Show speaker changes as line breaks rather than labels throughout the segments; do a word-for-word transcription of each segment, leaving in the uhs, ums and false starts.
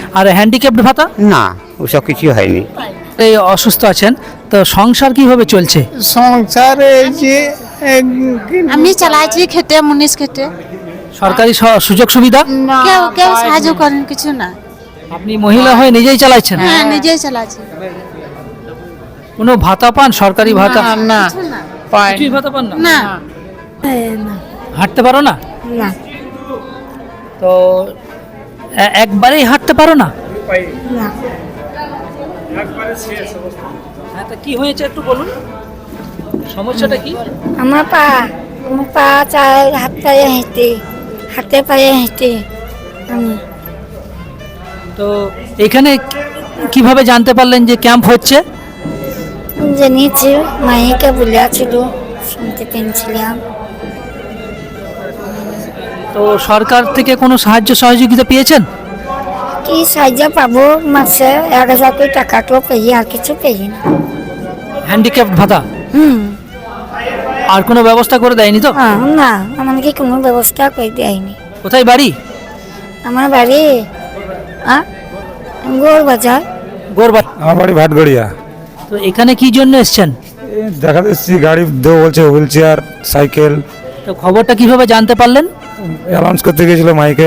আর handicapped ভাতা?
না, ওসব কিছু হয়নি।
এই অসুস্থ আছেন, তো সংসার কিভাবে চলছে?
সংসার এই যে
আমি চালাইছি খেতে মুনিশ খেতে,
সরকারি স- সুযোগ সুবিধা?
কেউ কেউ সাহায্য করেন কিছু না।
আপনি মহিলা হয়ে নিজেই চালাচ্ছেন?
হ্যাঁ নিজেই চালাচ্ছি।
কোনো ভাতা পান, সরকারি ভাতা?
না
কিছু না।
পাই
কিছুই ভাতা পান না?
না
হাঁটতে পারো না?
না
তো এ- একবারেই হাঁটতে পারো না? হ্যাঁ, তা কি হয়েছে একটু বলুন, সমস্যাটা কি?
আমার পা আমার পা চায় হাত পায়ে হেঁটে হাতে পায়ে হেঁটে আমি
তো এখানে কিভাবে জানতে পারলেন যে ক্যাম্প হচ্ছে?
জেনেছি, মাইকে বলেছিল, শুনতে পেয়েছিলাম।
তো সরকার থেকে কোনো সাহায্য সহযোগিতা পেয়েছেন?
কি সাহায্য পাবো, মাসে এক হাজার করে টাকা তো পেয়ে, আর কিছু পেয়ে না।
হ্যান্ডিক্যাপ ভাতা
হুম
আর কোনো ব্যবস্থা করে দেয়নি তো?
হ্যাঁ, না আমাকে কোনো ব্যবস্থা করে দেয়নি।
কোথায় বাড়ি?
আমার বাড়ি গোর বাজার।
গোরবা।
আমার বাড়ি ভাটগড়িয়া।
তো এখানে কি জন্য এসছেন?
এই দেখা যাচ্ছে গাড়ি দেবো বলছে, হুইল চেয়ার, সাইকেল।
তো খবরটা কিভাবে জানতে পারলেন?
অ্যানাউন্স করতে গিয়েছিল মাইকে।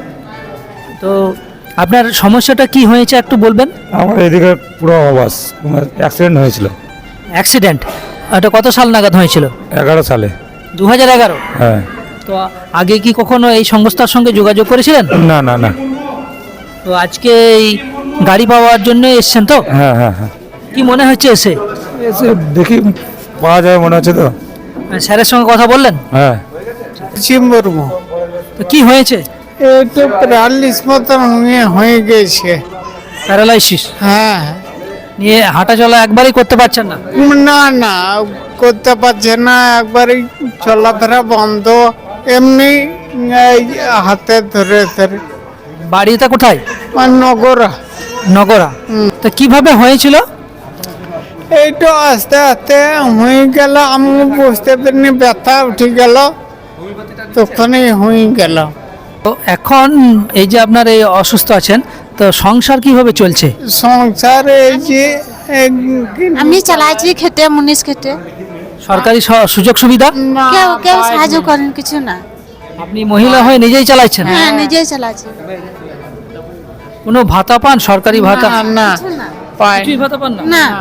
তো আপনার সমস্যাটা কি হয়েছে একটু বলবেন?
আমার এদিকে পুরো আওয়াজ, অ্যাক্সিডেন্ট হয়েছিল
অ্যাক্সিডেন্ট? এটা কত সাল নাগাদ হয়েছিল?
এগারো সালে।
দু হাজার এগারো?
হ্যাঁ।
তো আগে কি কখনো এই সংস্থার সঙ্গে যোগাযোগ করেছিলেন?
না না না।
তো আজকে এই গাড়ি পাওয়ার জন্য এসছেন তো?
হ্যাঁ হ্যাঁ হ্যাঁ।
কি মনে হচ্ছে এসে?
এসে দেখি পাওয়া যাবে মনে হচ্ছে তো।
স্যারের সঙ্গে কথা বললেন?
হ্যাঁ।
চিম্বরমো
তো কি হয়েছে?
একটু প্যারালিস মতন হয়ে হয়ে গেছে।
প্যারালাইসিস
হ্যাঁ
নিয়ে হাঁটা চলা একবারই করতে পারছেন না?
না না করতে পারছে না, একবারই চলাফেরা বন্ধ, এমনি এই হাতে ধরে ধরে।
বাড়িটা কোথায়?
আর নগরা
নগরা। তো কিভাবে হয়েছিল?
এই তো আস্তে আস্তে হয়ে গেল, আমি বুঝতে পারিনি, ব্যথা উঠে গেল, তখনই হয়ে গেল।
তো এখন এই যে আপনার এই অসুস্থ আছেন, তো সংসার কিভাবে চলছে?
সংসার এই যে
আমি চালাইছি খেতে মুনিশ খেতে,
সরকারি স- সুযোগ সুবিধা?
কেউ কেউ সাহায্য করেন কিছু না।
আপনি মহিলা হয়ে নিজেই চালাচ্ছেন?
হ্যাঁ নিজেই চালাচ্ছি।
কোনো ভাতা পান, সরকারি ভাতা?
না
কিছু না।
পাই
কিছুই ভাতা পান না?
না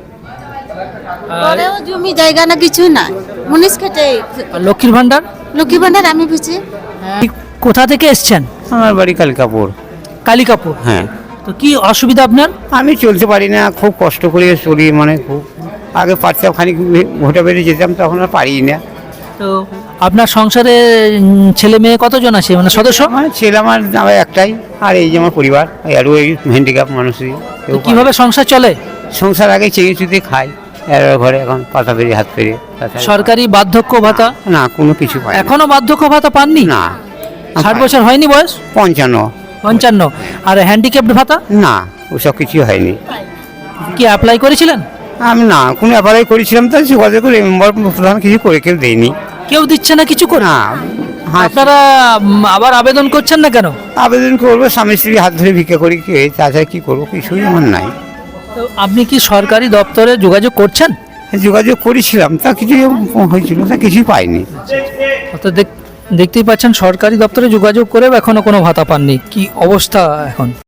আর
ঘরেও জমি জায়গা না কিছু না, মুনিশ খেতে।
আর লক্ষ্মীর ভান্ডার?
লক্ষ্মী ভান্ডার আমি বুঝি।
কি- কোথা থেকে এসছেন?
আমার বাড়ি কালিকাপুর।
কালিকাপুর।
হ্যাঁ।
তো কি অসুবিধা আপনার?
আমি চলতে পারি না, খুব কষ্ট করে চলি, মানে খুব আগে পারতাম, খানিক ভোটা বেরিয়ে যেতাম, তখন আর পারি না।
তো আপনার সংসারে উম, ছেলে মেয়ে কতজন আছে, মানে সদস্য?
আমার ছেলে আমার আমার একটাই, আর এই যে আমার পরিবার, আর ওই হ্যান্ডিক্যাপ মানুষই।
তো কিভাবে সংসার চলে?
সংসার আগে চেয়ে চুতে খাই, এর ঘরে এখন পাতা পেরিয়ে হাত পেরিয়ে। তাছাড়া-
সরকারি বার্ধক্য ভাতা?
না, কোনো কিছু পাই না।
এখনো বার্ধক্য ভাতা পাননি?
না।
ষাট বছর হয়নি বয়স?
পঞ্চান্ন।
পঞ্চান্ন। আর হ্যান্ডিক্যাপড ভাতা
না, ওসব কিছু হয়নি।
কি অ্যাপ্লাই করেছিলেন?
আমি না কোনো অ্যাপ্লাই করেছিলাম, তাই যোগাযোগ করে মেম্বার প্রধান কিছু করে কেউ দেয়নি।
কেউ দিচ্ছে না কিছু করে?
না। হ্যাঁ,
আপনারা উম, আবার আবেদন করছেন না কেন?
আবেদন করবো, স্বামী স্ত্রী হাত ধরে ভিক্ষা করি, কে তাছাড়া কি করবো, কিছুই আমার নাই।
তো আপনি কি সরকারি দপ্তরে যোগাযোগ করছেন?
যোগাযোগ করেছিলাম, তা কিছুই হয়েছিল, তা কিছুই পাইনি।
তো দেখ- দেখতেই পাচ্ছেন সরকারি দপ্তরে যোগাযোগ করেও এখনো কোনো ভাতা পাননি। কি অবস্থা এখন?